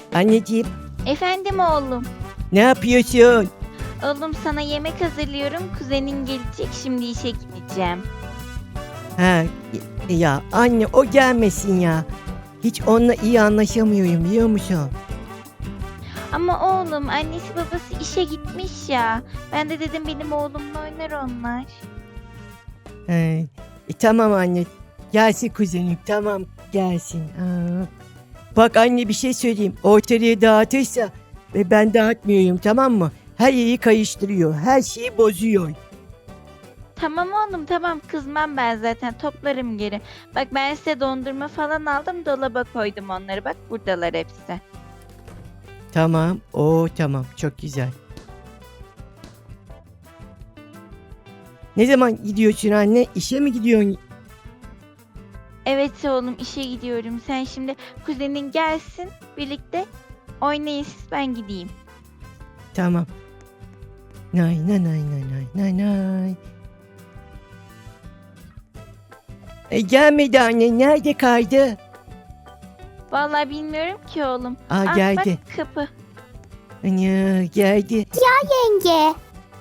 Anneciğim, Efendim oğlum. ne yapıyorsun? Oğlum sana yemek hazırlıyorum. Kuzenin gelecek. Şimdi işe gideceğim. Ha, ya anne o gelmesin ya. Hiç onunla iyi anlaşamıyorum biliyor musun? Ama oğlum annesi babası işe gitmiş ya. Ben de dedim benim oğlumla oynar onlar. Tamam anne. Gelsin kuzenim, tamam gelsin. Bak anne bir şey söyleyeyim. Ortalığı dağıtırsa ve ben dağıtmıyorum, tamam mı? Her yeri kayıştırıyor. Her şeyi bozuyor. Tamam oğlum tamam kızmam ben zaten toplarım geri. Bak ben size dondurma falan aldım dolaba koydum onları. Bak buradalar hepsi. Tamam. Tamam. Çok güzel. Ne zaman gidiyorsun anne? İşe mi gidiyorsun? Evet oğlum işe gidiyorum. Sen şimdi kuzenin gelsin birlikte oynayın siz ben gideyim. Tamam. Nay nay nay nay nay nay nay. Gelmedi anne. Nerede kaydı? Vallahi bilmiyorum ki oğlum. Geldi. Bak kapı. Ana, geldi. Yenge.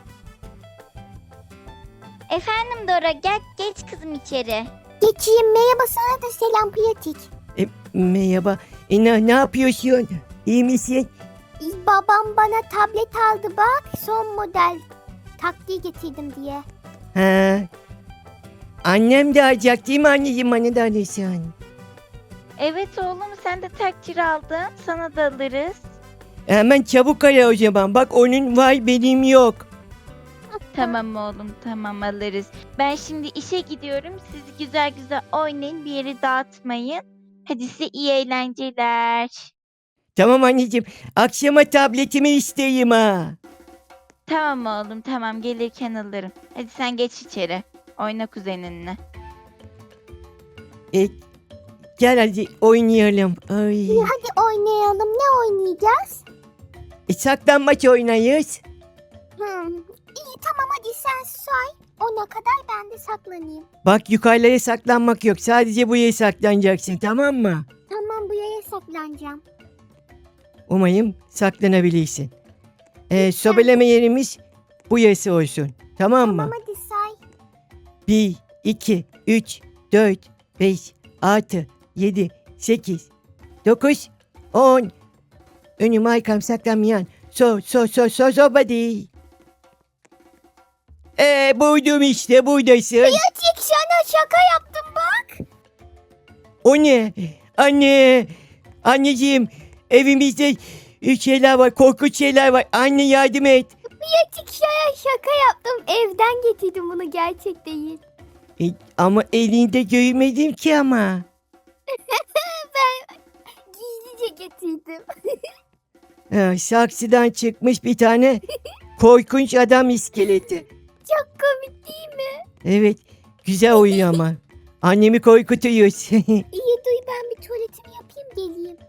Efendim Dora gel geç kızım içeri. Geçeyim, merhaba, sana da selam pratik. Merhaba. Ne yapıyorsun? İyi misin? Babam bana tablet aldı bak, son model. Taktiği getirdim diye. Ha. Annem de alacak değil mi anneciğim? Bana da alırsan. Evet oğlum sen de takdir aldın. Sana da alırız. Hemen çabuk ara o zaman. Bak onun var benim yok. Tamam oğlum tamam alırız. Ben şimdi işe gidiyorum. Siz güzel güzel oynayın. Bir yeri dağıtmayın. Hadi size iyi eğlenceler. Tamam anneciğim. Akşama tabletimi isteyeyim ha. Tamam oğlum tamam gelirken alırım. Hadi sen geç içeri. Oyna kuzeninle. E, Gel hadi oynayalım. Ay. Hadi oynayalım, ne oynayacağız? Saklanmaç oynayız. İyi tamam, hadi sen say. Ona kadar ben de saklanayım. Bak yukarıya saklanmak yok. Sadece buraya saklanacaksın, tamam mı? Tamam, bu yere saklanacağım. Umayım saklanabilirsin. Sobeleme yerimiz bu yası olsun. Tamam mı? Tamam, hadi say. 1, 2, 3, 4, 5, 6, 7, 8, 9, 10. Önüm arkam saklanmayan. Sobadi. Buldum işte buradasın. Pratik, sana şaka yaptım bak. O ne? Anne. Anneciğim. Evimizde şeyler var. Korkunç şeyler var. Anne yardım et. Pratik, sana şaka yaptım. Evden getirdim bunu, gerçek değil. Ama elinde görmedim ki ama. Ben gizlice getirdim. Saksıdan çıkmış bir tane korkunç adam iskeleti. Çok komik değil mi? Evet. Güzel oyun ama. Annemi korkutuyoruz. İyi, duy, ben bir tuvaletimi yapayım geleyim.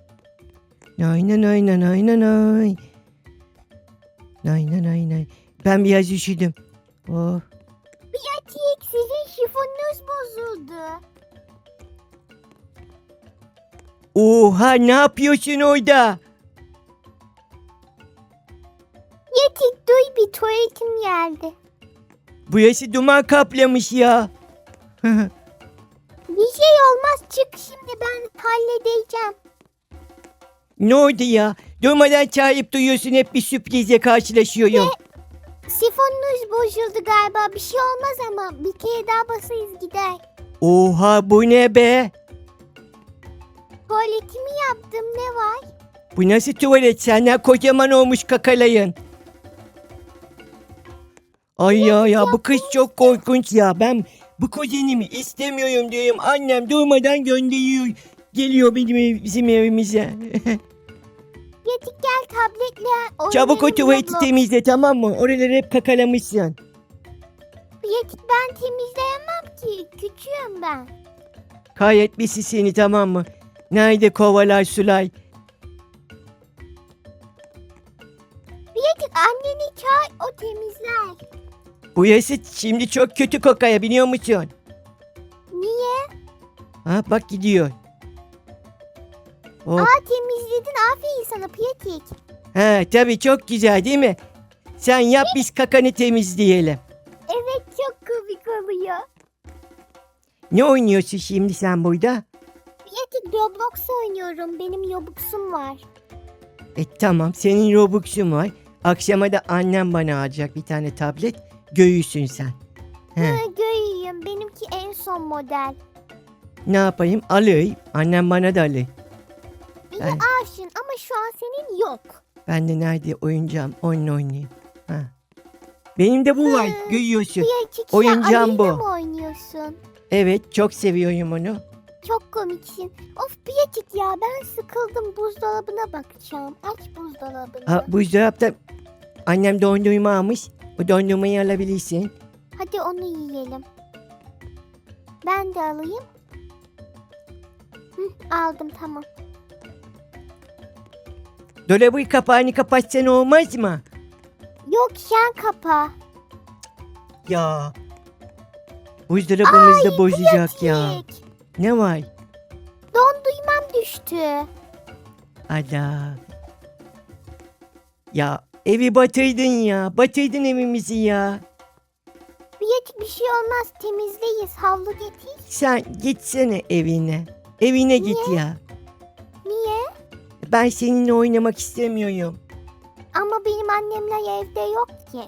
Aynen. Aynen. Ben biraz üşüdüm. Oh. Pratik, sizin şifonunuz bozuldu. Oha ne yapıyorsun orada? Pratik, duy, bir tuvaletim geldi. Burası duman kaplamış ya. Bir şey olmaz, çık şimdi, ben halledeceğim. Ne oldu ya? Durmadan çağırıp duyuyorsun, hep bir sürprizle karşılaşıyorum. Sifonunuz bozuldu galiba, bir şey olmaz ama bir kere daha basarız gider. Oha bu ne be? Tuvaletimi yaptım, ne var? Bu nasıl tuvalet? Senden kocaman olmuş kakalayın. Ay ya bu kız çok korkunç ya. Ben bu kuzenimi istemiyorum diyorum. Annem durmadan gönderiyor. Geliyor bizim evimize. Pratik, gel tabletle oynayalım. Çabuk o tuvaleti Roblox. temizle, tamam mı? Oraları hep kakalamışsın. Pratik, ben temizleyemem ki, küçüğüm ben. Kahretmesin seni, tamam mı? Nerede kovalar sular? Pratik, anneni çağır, o temizler. Bu yası şimdi çok kötü kokaya, biliyor musun? Niye? Ha bak gidiyor. Hop. Temizledin. Aferin sana Pratik. Ha, tabii çok güzel değil mi? Sen yap biz kakanı temizleyelim. Evet çok komik oluyor. Ne oynuyorsun şimdi sen burada? Pratik Roblox oynuyorum. Benim Robux'um var. Tamam senin Robux'un var. Akşama da annem bana alacak bir tane tablet. Göğüsün sen. He, Göreyim. Benimki en son model. ne yapayım? Alayım. Annem bana da alır. İyi Ben- aşın ama şu an senin yok. Ben de nerede oyuncağım onunla oynayayım. Ha. Benim de bu var. Hı. Görüyorsun. Pratik Oyuncağım sen bu. Ali'yle mi oynuyorsun? Evet çok seviyorum onu. Çok komiksin. Of Pratik ya ben sıkıldım. Buzdolabına bakacağım. Aç buzdolabını. Ha, buzdolapta annem dondurma almış. O dondurmayı alabilirsin. Hadi onu yiyelim. Ben de alayım. Aldım tamam. Dolabın kapağını kapatsan olmaz mı? Yok sen kapa. Ya. Buzdolabımız da bozacak ya. Pratik. Ne var? Dondurmam düştü. Ada. Ya evi batırdın ya. Batırdın evimizi ya. Pratik bir şey olmaz. Temizleyiz. Havlu getir. Sen gitsene evine. Evine git ya. Niye? Ben seninle oynamak istemiyorum. Ama benim annemler evde yok ki.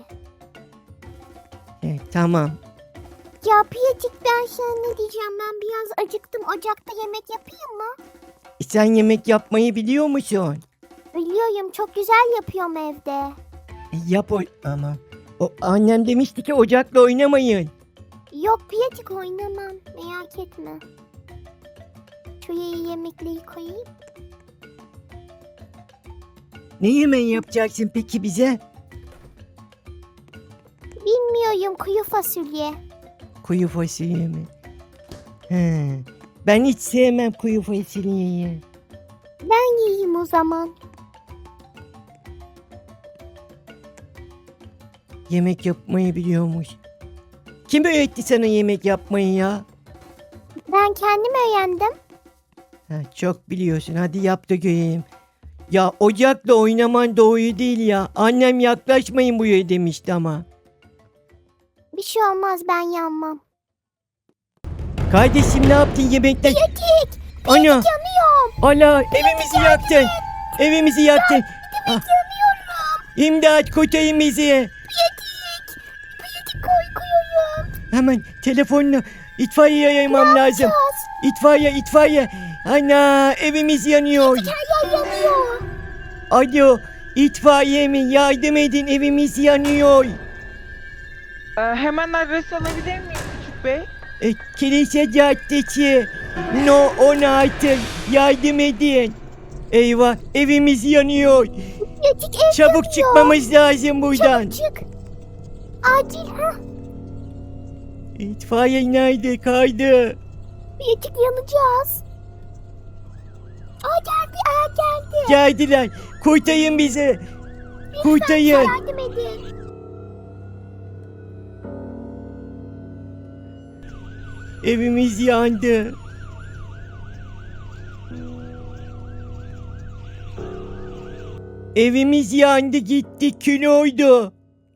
Tamam. Ya Pratik ben sana ne diyeceğim? Ben biraz acıktım. Ocakta yemek yapayım mı? Sen yemek yapmayı biliyor musun? Biliyorum çok güzel yapıyorum evde. Yap o ama. O annem demişti ki ocakla oynamayın. Yok Pratik oynamam. Merak etme. Şuraya yemekleri koyayım. Ne yemeği yapacaksın peki bize? Bilmiyorum kuru fasulye. Kuyu fasulye mi? He. Ben hiç sevmem kuyu fasulyeyi. Ben yiyeyim o zaman. Yemek yapmayı biliyormuş. Kim öğretti sana yemek yapmayı ya? Ben kendim öğrendim. Ha, çok biliyorsun. Hadi yap da göreyim. Ya ocakla oynaman doğru değil ya. Annem yaklaşmayın buraya demişti ama. Bir şey olmaz ben yanmam. Kardeşim ne yaptın yemekten? Pratik! Ana! Yanıyorum. Ana! Evimizi yaktın! Evimizi yaktın! Ah, İmdat kurtarın bizi! Pratik korkuyorum. Hemen telefonla itfaiye aramam lazım. İtfaiye. Ana evimiz yanıyor. Her yer yanıyor. Alo itfaiye mi? Yardım edin evimiz yanıyor. Hemen adres alabilir miyim Küçük Bey? Kilise Caddesi. No 16. Yardım edin. Eyvah evimiz yanıyor. Pratik ev Çabuk yanıyor. çıkmamız lazım buradan. Çabuk çık. Acil ha. İtfaiye nerede kaydı? Pratik yanacağız. Geldi. Geldiler. Kurtarın bizi. Kurtarın. Yardım edin. Evimiz yandı. Evimiz yandı gitti kül oldu.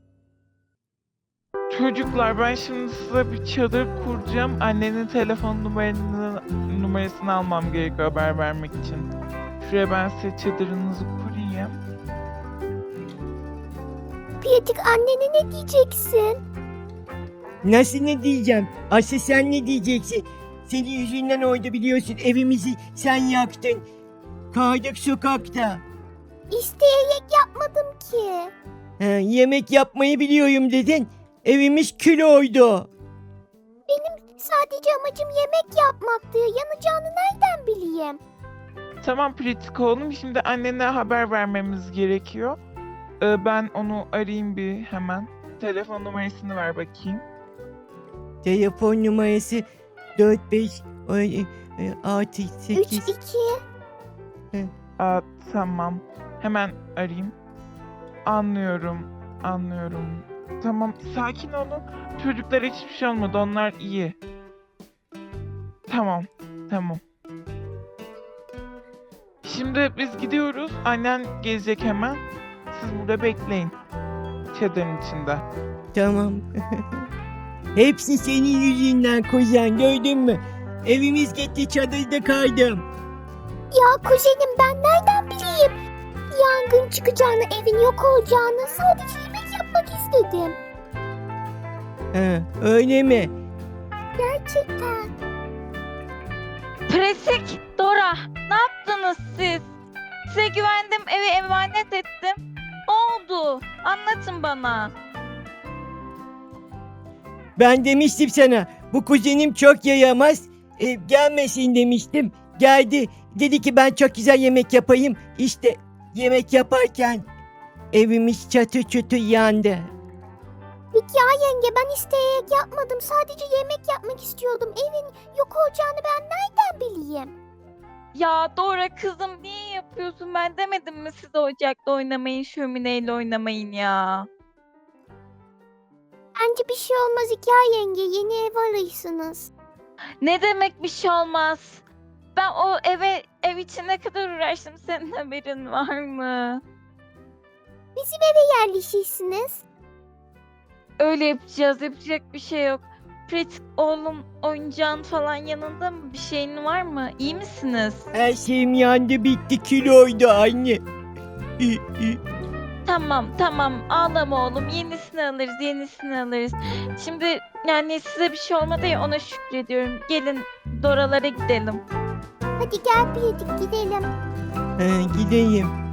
Çocuklar ben şimdi size bir çadır kuracağım. Annenin telefon numarasını almam gerekiyor haber vermek için. Şuraya ben size çadırınızı kurayım. Pratik annene ne diyeceksin? Nasıl ne diyeceğim? Aslı sen ne diyeceksin? Senin yüzünden oydu biliyorsun evimizi sen yaktın. Kaldık sokakta. İsteyerek yapmadım ki. Yemek yapmayı biliyorum dedin. Evimiz kül oldu. Sadece amacım yemek yapmaktı. Yanacağını nereden bileyim? Tamam pratik oğlum. Şimdi annene haber vermemiz gerekiyor. Ben onu arayayım bir hemen. Telefon numarasını ver bakayım. Telefon numarası 45 6 8. 3-2. Tamam. Hemen arayayım. Anlıyorum. Tamam, sakin olun. Çocuklara hiçbir şey olmadı. Onlar iyi. Tamam. Şimdi biz gidiyoruz. Annen gelecek hemen. Siz burada bekleyin. Çadırın içinde. Tamam. Hepsi senin yüzünden kuzen, gördün mü? Evimiz gitti, çadırda kaldım. Ya kuzenim ben nereden bileyim? Yangın çıkacağını, evin yok olacağını, sadece yemek yapmak istedim. Ha, öyle mi? Gerçekten. Pratik, Dora, ne yaptınız siz? Size güvendim, eve emanet ettim. Ne oldu? Anlatın bana. Ben demiştim sana, bu kuzenim çok yayamaz, gelmesin demiştim. Geldi, dedi ki ben çok güzel yemek yapayım. İşte yemek yaparken evimiz çatı çutu yandı. Peki ya yenge, ben isteyerek yapmadım. Sadece yemek yapmak istiyordum. Evin yok olacağını ben nereden bileyim? Ya Dora kızım niye yapıyorsun? Ben demedim mi siz ocakta oynamayın, şömineyle oynamayın ya? Bence bir şey olmaz Hikaye yenge. Yeni ev arıyorsunuz. Ne demek bir şey olmaz? Ben o ev için ne kadar uğraştım, senin haberin var mı? Bizim eve yerleşirsiniz. Öyle yapacağız, yapacak bir şey yok. Pratik oğlum, oyuncağın falan yanında mı? Bir şeyin var mı? İyi misiniz? Her şeyim yandı, bitti, kiloydu anne. Tamam ağlama oğlum, yenisini alırız. Şimdi yani size bir şey olmadı ya, ona şükrediyorum. Gelin Doralara gidelim. Hadi gel Pratik gidelim. Ha, gideyim.